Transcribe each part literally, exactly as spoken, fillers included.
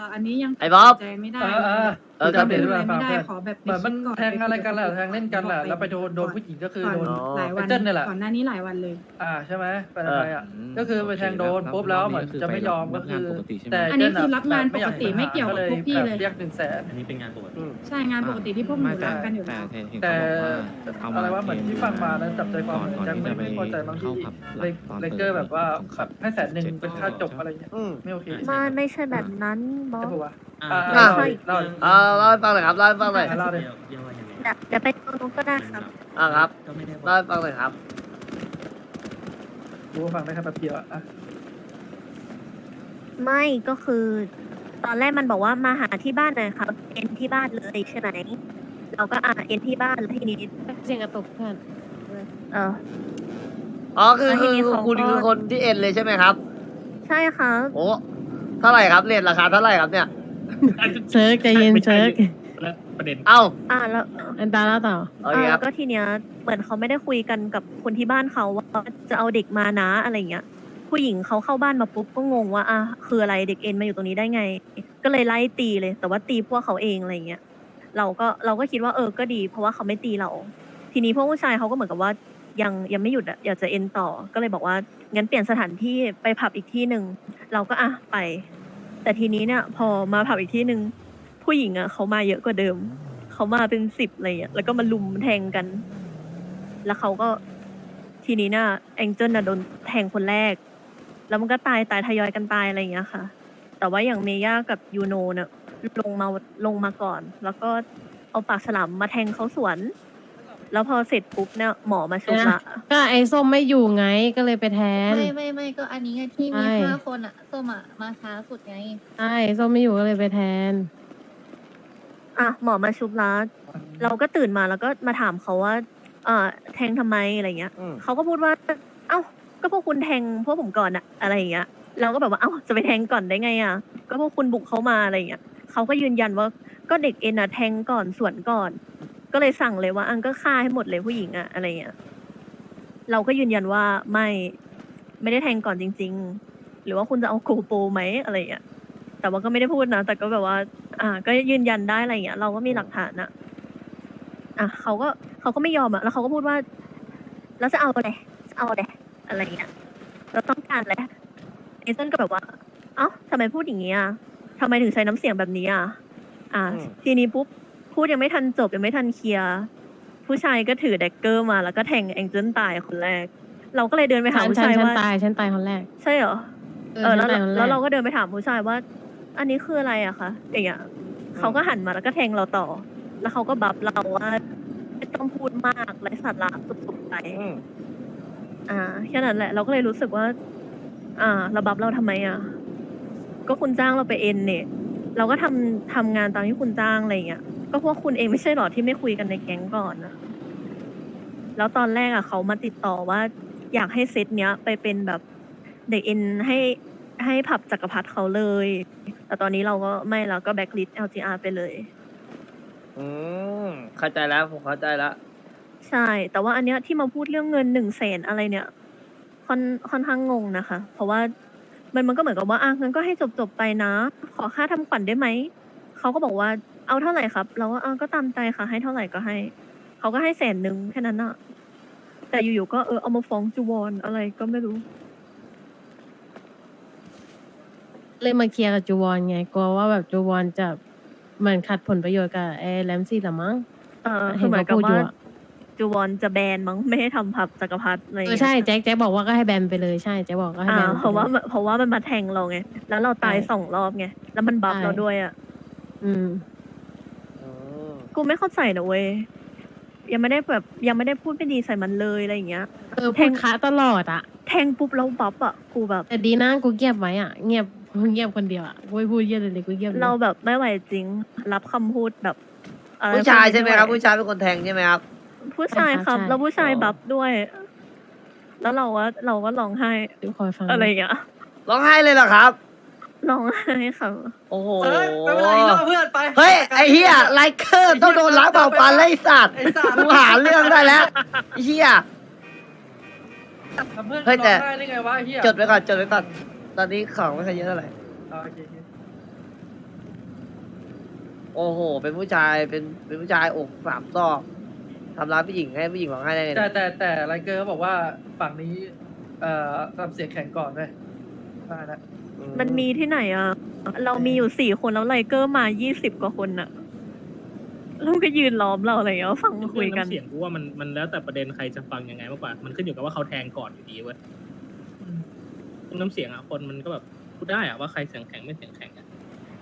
ออันนี้ยังไอ้บ๊อบตัดสินใจไม่ได้เออเออเออจะเปลี่ยนไม่เรื่องไม่ฟังได้เพื่อนขอแบบเหมือนมันไปคิดก่แทงอะไรกันแหละแทงเล่นกันแหละแล้วไปโดนโดนผู้หญิงก็คือโดนหลายวันไอ้เจิ้นเนี่ยแหละก่อนหน้านี้หลายวันเลยอ่าใช่ไหมไปทำไมอ่ะ ก็คือไปแทงโดนปุ๊บแล้วเหมือนจะไม่ยอมก็คือ แต่อันนี้คือรับงานปกติไม่เกี่ยวกับพวกพี่เลยเรียกหนึ่งแสนอันนี้เป็นงานปกติใช่งานปกติที่พวกหนูรักกันอยู่แต่แล้วเห็นแต่เขาบอกว่าเอาอะไรว่าเหมือนที่ฟังมาแล้วจับใจความก่อนแจ็คที่ไม่จะไปไม่พอใจบางที่เข้าผับเลยตอนเลเกอร์แบบว่าของแบบให้แสนหนึ่งเป็นค่าจบอะไรเงี้ยอืมไม่โอเคไม่ไม่ใช่แบบนั้นบอใช่สปะวะอ่าอ่าใช่เล่าเออเล่าให้ฟังหน่อยครับเล่าให้ฟังหน่อยเล่าดิเรียกว่ายังไงเดี๋ยวเดี๋ยวไปตรงนู้นก็ได้ครับอ่าครับก็ไม่ได้บอเล่าก ให้ฟังหน่อยครับรู้ว่าฟังได้แค่แป๊บเดียวอะไม่ก็คือ ตอนแรกมันบอกว่ามาหาที่บ้านหน่อยครับเอ็นที่บ้านเลยใช่ไหมเราก็อ่าเอ็นที่บ้านแล้วทีนี้เสียงกระตุกเพื่อนเอออ๋อคือแล้วทีคือนี้เขาคุณก็คือคนที่เอ็นเลยใช่ไหมครับใช่ครับโอ้เท่าไหร่ครับเรทราคาเท่าไหร่ครับเนี่ยเซิร์กใจเย็นเซิร์กแล้วประเด็นเอ้าอ่าแล้วอันตาแล้วต่อโอเอเคอครับก็ทีเนี้ยเหมือนเขาไม่ได้คุยกันกับคนที่บ้านเขาว่าจะเอาเด็กมานะอะไรเงี้ย ผู้หญิงเขาเข้าบ้านมาปุ๊บก็งงว่าอ่ะคืออะไรเด็กเอ็นมาอยู่ตรงนี้ได้ไง ก็เลยไล่ตีเลย แต่ว่าตีพวกเขาเองอะไรเงี้ย เราก็เราก็คิดว่าเออก็ดี เพราะว่าเขาไม่ตีเรา ทีนี้พวกผู้ชายเขาก็เหมือนกับว่ายังยังไม่หยุดอะอยากจะเอ็นต่อ ก็เลยบอกว่างั้นเปลี่ยนสถานที่ไปผับอีกที่หนึ่งเราก็อ่ะไป แต่ทีนี้เนี่ยพอมาผับอีกที่หนึ่งผู้หญิงอะเขามาเยอะกว่าเดิม เขามาเป็นสิบอะไรเงี้ยแล้วก็มาลุมแทงกัน แล้วเขาก็ทีนี้เนี่ยแองเจิลน่ะโดนแทงคนแรก แล้วมันก็ตายตายทยอยกันตายอะไรอย่างเงี้ยค่ะ แต่ว่าอย่างเมย่ากับยูโนเนี่ยลงมาลงมาก่อน แล้วก็เอาปากฉลามมาแทงเขาสวน แล้วพอเสร็จปุ๊บเนี่ยหมอมาชุบละก็ไอ้ส้มไม่อยู่ไงก็เลยไปแทนไม่ไม่ไม่ก็อันนี้ไงที่มีใช่ห้าคนอะส้มอะมาช้าสุดไงใช่ส้มไม่อยู่ก็เลยไปแทนอ่ะหมอมาชุบละเราก็ตื่นมาแล้วก็มาถามเขาว่าเอ่อแทงทำไมอะไรเงี้ยอืมเขาก็พูดว่า เอ้า ก็พวกคุณแทงพวกผมก่อนอะอะไรอย่างเงี้ย เราก็แบบว่า เอ้า จะไปแทงก่อนได้ไงอะก็พวกคุณบุกเข้ามาอะไรอย่างเงี้ย เขาก็ยืนยันว่า ก็เด็กเอ็นอะแทงก่อนสวนก่อน ก็เลยสั่งเลยว่าอังก็ฆ่าให้หมดเลยผู้หญิงอะอะไรเงี้ย เราก็ยืนยันว่าไม่ ไม่ได้แทงก่อนจริง ๆ หรือว่าคุณจะเอาโกโปรไหมอะไรเงี้ย แต่ว่าก็ไม่ได้พูดนะ แต่ก็แบบว่า อ่า ก็ยืนยันได้อะไรเงี้ย เราก็มีหลักฐานอะอ่ะเขาก็เขาก็ไม่ยอมอะแล้วเขาก็พูดว่า แล้วจะเอาอะไรจะเอาอะไรอะไรเงี้ย เราต้องการอะไรเอเซนก็แบบว่า เอ้าทำไมพูดอย่างนี้อ่ะทำไมถึงใช้น้ำเสียงแบบนี้อ่ะ อ่าอืมทีนี้ปุ๊บ พูดยังไม่ทันจบยังไม่ทันเคลียร์ ผู้ชายก็ถือแดกเกอร์มาแล้วก็แทงแองเจิลตายคนแรก เราก็เลยเดินไปหาฉันผู้ฉันชายฉันว่าตายฉันตายคนแรกใช่เหรอเอเอออฉัแล้วนตายคนแรแล้วกเราก็เดินไปถามผู้ชายว่า อันนี้คืออะไรอะคะอย่างเงี้ยเขาก็หันมาแล้วก็แทงเราต่อ แล้วเขาก็บับเราว่าไม่ต้องพูดมากไร้สาระสุดๆไปอืมอ่าแค่นั้นแหละ เราก็เลยรู้สึกว่า อ่าระบับเราทำไมอ่ะ ก็คุณจ้างเราไปเอ็นเนี่ย เราก็ทำทำงานตามที่คุณจ้างอะไรอย่างเงี้ยก็เพราะคุณเองไม่ใช่หรอที่ไม่คุยกันในแก๊งก่อนนะแล้วตอนแรกอ่ะเขามาติดต่อว่า อยากให้เซตเนี้ย ไปเป็นแบบเด็กเอ็นให้ให้ผับจักรพรรดิเขาเลย แต่ตอนนี้เราก็ไม่แล้วก็แบ็กลิสต์ แอล จี อาร์ ไปเลยอืมเข้าใจแล้วผมเข้าใจแล้วใช่ แต่ว่าอันเนี้ยที่มาพูดเรื่องเงินหนึ่งแสนอะไรเนี่ยค่อนค่อนข้างงงนะคะ เพราะว่ามันมันก็เหมือนกับว่าอ่ะงั้นก็ให้จบจบไปนะ ขอค่าทำขวัญได้ไหม เขาก็บอกว่าเอาเท่าไหร่ครับ เราก็อ่ะก็ตามใจค่ะ ให้เท่าไหร่ก็ให้ เขาก็ให้แสนหนึ่งแค่นั้นอะแต่อยู่ๆก็เออเอามาฟ้องจูวอนอะไรก็ไม่รู้เลยมาเคลียร์กับจูวอนไงกลัวว่าแบบจูวอนจะเหมือนขัดผลประโยชน์กับไอ้แรมซี่ละมั้งเออคืเห็อน เหมือนกับเขาพูดอยู่ว่าอะจูวอนจะแบนมั้งไม่ให้ทำผับจักรพรรดิอะไรอย่างเออเงี้ยใช่แจ็คแจ็คบอกว่าก็ให้แบนไปเลยใช่แจ็คบอกก็ให้อ่าแบนไปเพราะว่าลยเพราะว่ามันมาแทงเราไง แล้วเราตายใช่สองรอบไง แล้วมันบัฟใช่เราด้วยอ่ะอืมอืมกูไม่เข้าใจนะเว้ย ยังไม่ได้แบบยังไม่ได้พูดไม่ดีใส่มันเลยอะไรอย่างเงี้ยเออแทพูงดค้าตลอดอะแทงปุ๊บแล้วบัฟอ่ะ กูแบบแต่ดีนะกูเงียบไว้อะเงียบเงียบคนเดียวอะกูไม่พูดเยอะเลยเลยกูเงียบลยเราแบบไม่ไหวจริง รับคำพูดแบบอะไรผู้ชายใช่ไหมครับวผู้ชายเป็นคนแทงใช่ไหมครับผู้ชายครับ แล้วผู้ชายบัฟด้วย แล้วเราว่าเราก็ร้องไห้ดูคอยฟังอะไรอย่างเงี้ยร้องไห้เลยเหรอครับร้องไห้ค่ะโอ้โหเฮ้ยไม่เป็นไรอีกรอบเพื่อนไปเฮ้ย ไอ้เฮียไลเคอร์ต้องโดนล้างเป่าปันไล่สัตว์ไอ้สัตว์กูหาเรื่องได้แล้วไอ้เฮียทำเพื่อนเฮ้ยแต่ร้องไห้ได้ไงวะไอ้เฮียจดไว้ก่อนจดไว้ก่อน ตอนนี้ของไม่ค่อยเยอะเท่าไหร่อ่าโอเคโอเคโอ้โห เป็นผู้ชายเป็นเป็นผู้ชายอกสามซอกทำร้ายผู้หญิงให้ผู้หญิงร้องไห้ได้ไงแต่เนี่ยแต่แต่ไรเกอร์เขาบอกว่าฝั่งนี้ เอ่อทำเสียงแข็งก่อนเลยว่านะมันมีที่ไหนอ่ะ เรามีอยู่สี่คนแล้วไลเกอร์มายี่สิบกว่าคนอ่ะแล้วก็ยืนล้อมเราอะไรอย่างเงี้ยฟังมาคุยกันเรื่องน้ำเสียงกูว่ามันมันแล้วแต่ประเด็นใครจะฟังยังไงมากกว่า มันขึ้นอยู่กับว่าเขาแทงก่อนอยู่ดีเว้ยเรื่องน้ำเสียงอ่ะคนมันก็แบบพูดได้อ่ะว่าใครเสียงแข็งไม่เสียงแข็งอ่ะ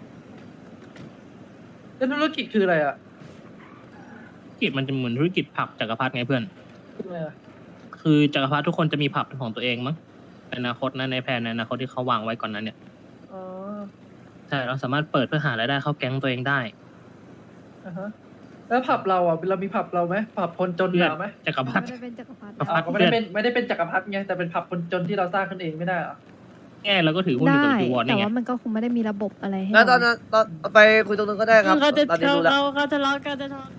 แล้วธุรกิจคืออะไรอ่ะธุรกิจมันจะเหมือนธุรกิจผับจักรพรรดิไงเพื่อนคืออะไรอะคือจักรพรรดิทุกคนจะมีผับเป็นของตัวเองมั้งในอนาคตนะในแผนในอนาคตที่เขาวางไว้ก่อนนั้นเนี่ยอ๋อใช่เราสามารถเปิดเพื่อหารายได้เข้าแก๊งตัวเองได้อ่าฮะแล้วผับเราอ่ะเรามีผับเราไหมผับคนจนเพื่อนเราไหมจักรพรรดิไม่ได้เป็นจักรพรรดิจักรพรอ่ารดิก็ไม่ได้เป็นไม่ได้เป็นจักรพรรดิไงแต่เป็นผับคนจนที่เราสร้างขึ้นเองไม่ได้เหรอแง่เราก็ถือหุ้นอยู่กับจูวอนแต่นี่ไงว่ามันก็คงไม่ได้มีระบบอะไรให้แล้วตอนเรานั้นตอนไปคุยตรงนึงก็ได้ครับเขาจะตอนนี้เขารู้แล้วเขาเขาจะเลาะกันจะทะเลาะ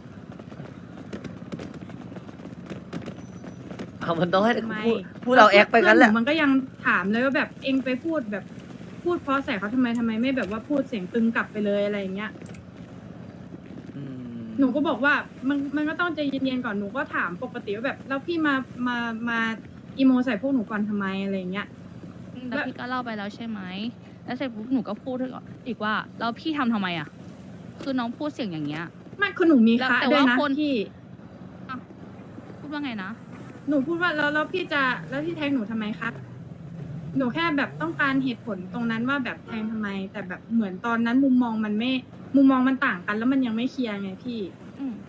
เอามันต้องให้ทำไมพูดพูดเราแอคไปงั้นแหละเพื่อมันก็ยังถามเลยว่าแบบเองไปพูดแบบพูดเพราะใส่เขาทำไมทำไมไม่แบบว่าพูดเสียงตึงกลับไปเลยอะไรอย่างเงี้ยอืมหนูก็บอกว่ามันมันก็ต้องใจเย็นๆก่อนหนูก็ถามปกติว่าแบบแล้วพี่มามามาอีโมใส่พวกหนูก่อนทำไมอะไรอย่างเงี้ยแล้วพี่ก็เล่าไปแล้วใช่ไหม แล้วเสร็จปุ๊บหนูก็พูดอีกว่าแล้วพี่ทำทำไมอ่ะ คือน้องพูดเสียงอย่างเงี้ยไม่คือหนูมีคะแต่ด้วยว่านะคนพี่พูดว่าไงนะหนูพูดว่าแล้วแล้วพี่จะแล้วพี่แทงหนูทำไมครับหนูแค่แบบต้องการเหตุผลตรงนั้นว่าแบบแทงทำไม แต่แบบเหมือนตอนนั้นมุมมองมันไม่มุมมองมันต่างกัน แล้วมันยังไม่เคลียร์ไงพี่อืม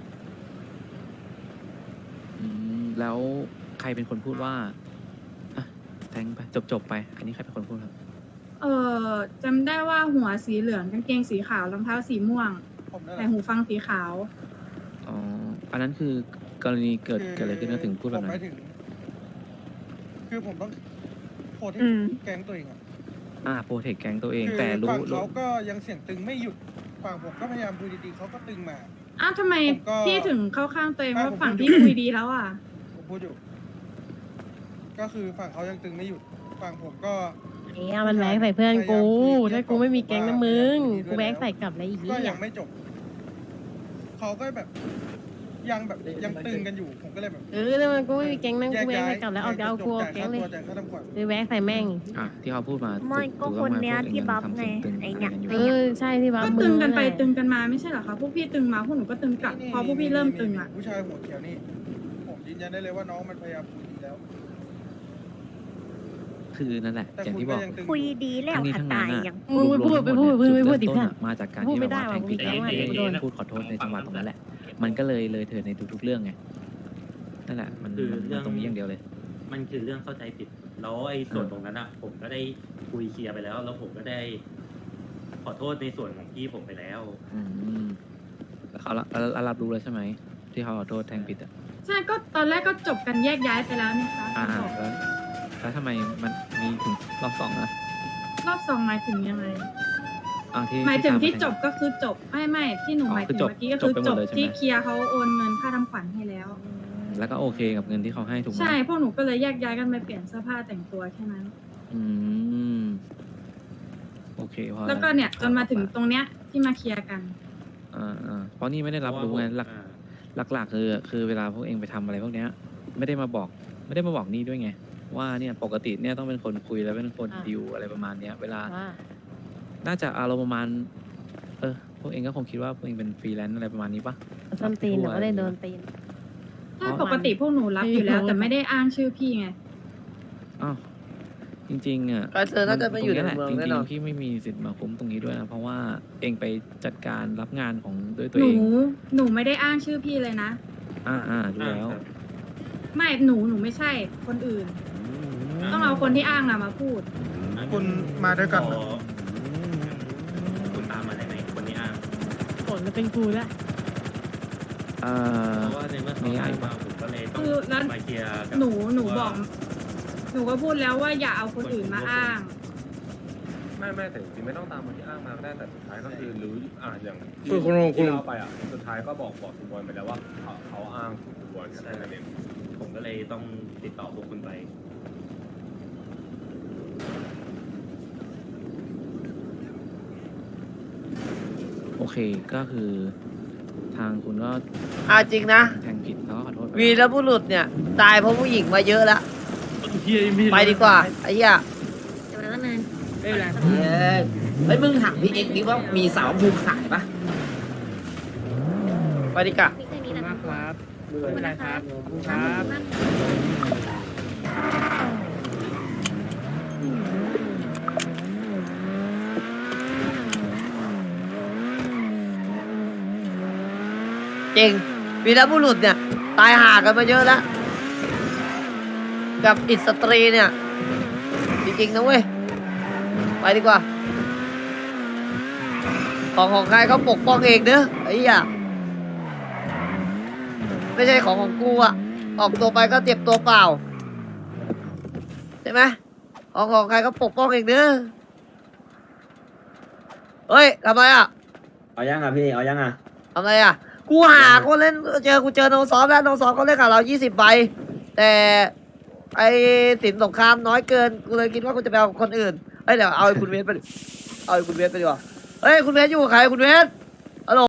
อืมแล้วใครเป็นคนพูดว่าอ่ะแทงไปจบจบๆไป อันนี้ใครเป็นคนพูดครับเออจำได้ว่าหัวสีเหลืองกางเกงสีขาวรองเท้าสีม่วงแต่หูฟังสีขาวอ๋อ อันนั้นคือกรณีเกิดเกิดอะไรขึ้นนะถึงพูดแบบผมหนั้มาน ยถึง คือผมต้องโพสต์อืมแก๊งตัวเองอะอ่าโปรเทคแก๊งตัวเองคือแต่รู้ฝั่งรู้เขาก็ยังเสียงตึงไม่หยุดฝั่งผมก็พยายามคุยดีๆเขาก็ตึงมาอ้าวทำไมผมก็พี่ถึงเข้าข้างตัวเองไม่ว่าผมฝั่งพูดที่อยู่คุยดีแล้วอ่ะผมพูดอยู่ ก็คือฝั่งเขายังตึงไม่หยุดฝั่งผมก็เนี่ยมันแบกใส่เพื่อนกูพยายามคุยถ้ากูไม่มีแก๊งนะมึงว่ากูแบกใส่กลับเลยอีกก็ทียัอ่ะงไม่จบเขาก็แบบยังแบบยังตึงกันอยู่ ผมก็เลยแบบเออแล้วมันกูไม่มีแก๊งนั่งแยกูกแบกย้ายใส่กลับแล้วเอาจะเอากูเอาแก๊งเลยจ่ายค่าทำขวัญไปแบกใส่แม่งอ่ะที่เขาพูดมาไม่ก็ถูคนต้องเนี้ยพวกที่งบัฟทำไงเสียตึไอ้ะเนี่ยรเออใช่ที่บ้าก็มึตึงงกันไปแหละตึงกันมาไม่ใช่เหรอคะพวกพี่ตึงมาพวกหนูก็ตึงกลับ พอพวกพี่เริ่มตึงอ่ะผู้ชายหัวเขียวนี่ ผมยืนยันได้เลยว่าน้องมันพยายามคุยดีแล้วคือนั่นแหละแต่อย่างคุณที่บก็อกยังตึงอคุยยู่ดีแล้วทั้งนี้ค่ะทั้งตานั้นยอะยังมึงพูดไปพูดไปพูดไปพูดดิจุเพื่อนเริ่มต้นอะมาจากการพูดที่ไม่แบบได้ว่าว่ะแทงผิดกูแก๊งอะไรเองกูโดนพูดขอโทษในจังหวะตรงนั้นแหละ มันก็เลยเลยเถิดในทุกๆเรื่องไงนั่นแหละมันคือมันเรื่องตรงนี้อย่างเดียวเลยมันคือเรื่องเข้าใจผิด แล้วไอ้ส่วนตรงนั้นอ่ะ ผมก็ได้คุยเคลียร์ไปแล้ว แล้วผมก็ได้ ขอโทษในส่วนของพี่ผมไปแล้วอืมแล้วเขาละแล้วแล้วรับรู้แล้วใช่ไหมที่เขาขอโทษแทงผิดอ่ะใช่ก็ตอนแรกก็จบกันแยกย้ายไปแล้วนี่คะอ่าบอกแล้วแล้วทำไมมันมีถึงรอบสองนะรอบสองหมายถึงยังไงอ่าที่หมายถึงที่ตจบก็คือจบไม่ไม่ที่หนูอ๋อหมายถึงคือจบเมื่อกี้ก็คือจบไปหมจดบเลยใช่ไหมที่เคลียร์เขาโอนเงินค่าทำขวัญให้แล้วแล้วก็โอเคกับเงินที่เขาให้ถูกไหมใช่พวกหนูก็เลยแยกย้ายกันไปเปลี่ยนเสื้อผ้าแต่งตัวแค่นั้นอืมโอเคพอแล้วก็เนี่ยจนมาถึงครับตรงเนี้ยที่มาเคลียร์กันอ่าอ่าเพราะนี่ไม่ได้รับรู้ไงหลักอ่าหลักๆคือคือเวลาพวกเองไปทำอะไรพวกเนี้ย ไม่ได้มาบอก ไม่ได้มาบอกนี่ด้วยไง ว่าเนี่ยปกติเนี่ยต้องเป็นคนคุยแล้วเป็นคนอ่าดิวอะไรประมาณเนี้ย เวลาว่าน่าจะอารมณ์ประมาณ เออ พวกเองก็คงคิดว่าพวกเองเป็นฟรีแลนซ์อะไรประมาณนี้ปะส้นตีนหนูก็เลยโดนตีนใช่ปกติพวกหนูรับอยู่แล้ว แต่ไม่ได้อ้างชื่อพี่ไงอ้าวจริงๆอ่ะก็เธอน่าจะไม่อยู่ในตรงเมืองแหละจแน่รินงอนๆพี่ไม่มีสิทธิ์มาคุ้มตรงนี้ด้วยนะเพราะว่าเองไปจัดการรับงานของด้วยตัวหเอนูงหนูไม่ได้อ้างชื่อพี่เลยนะอ่าอ่าดูแล้วไม่หนูหนูไม่ใช่คนอื่น ต้องเอาคนที่อ้างอะมาพูดคุณมาด้วยกันเหรอคุณตามมาได้ไหมคนนี้อ้างผลมันเป็นกูแล้วเอ่อเพราะว่าในเมื่อเขาอ้างมาผมก็เลยต้องคือแล้วมาเคลียร์กับหนูหนูบอกว่าหนูก็พูดแล้วว่าอย่าเอาคนอื่นมาอ้างไม่ไม่แต่จริงๆไม่ต้องตามคนที่อ้างมาก็ได้แต่สุดท้ายก็คือรู้อ่าอย่างที่คือคุณคุณที่เราไปอ่ะสุดท้ายก็บอกบอกคุณบอลไปแล้วว่าเขาเขาอ้างคุณบอลแค่นั้นเองผมก็เลยต้องติดต่อพวกคุณไปโอโอเคก็คือ ทางคุณก็อาจริงนะแทงผิดแล้วก็ขอโทษไปวีรบุรุษเนี่ยตายเพราะผู้หญิงมาเยอะแล้วไปดีกว่าไอ้เหี้ยจะมาตั้งนานไม่เป็นไรเอ้ยเฮ้ยมึงถามพี่เอ็กซ์ดิว่ามีสาวภูมิขายปะไปดีกว่าพี่เคยมีแต่มากครับขอบคุณนะครับครับจริงวีรบุรุษเนี่ย ตายห่ากันมาเยอะแล้ว กับอิสตรีเนี่ย จริงๆนะเว้ย ไปดีกว่า ของของใครเขาปกป้องเองเด้อไอ้เหี้ยไม่ใช่ของของกูอะออกตัวไปก็เจ็บตัวเปล่า ใช่ไหมของของใครเขาปกป้องเองเด้อเฮ้ยทำไมอะเอายังอ่ะพี่เอายังอ่ะทำไมอะกูหาคนเล่นเจอกูเจอโนซอฟแล้วโนซอฟเขาเล่นกับเรายี่สิบใบแต่ไอ้สินสงครามน้อยเกินกูเลยคิดว่ากูจะไปเอาคนอื่นเฮ้ยเดี๋ยวเอาไอ้คุณเวสไปดิเอาไอ้คุณเวสไปดีกว่าเฮ้ยคุณเวสอยู่กับใครคุณเวส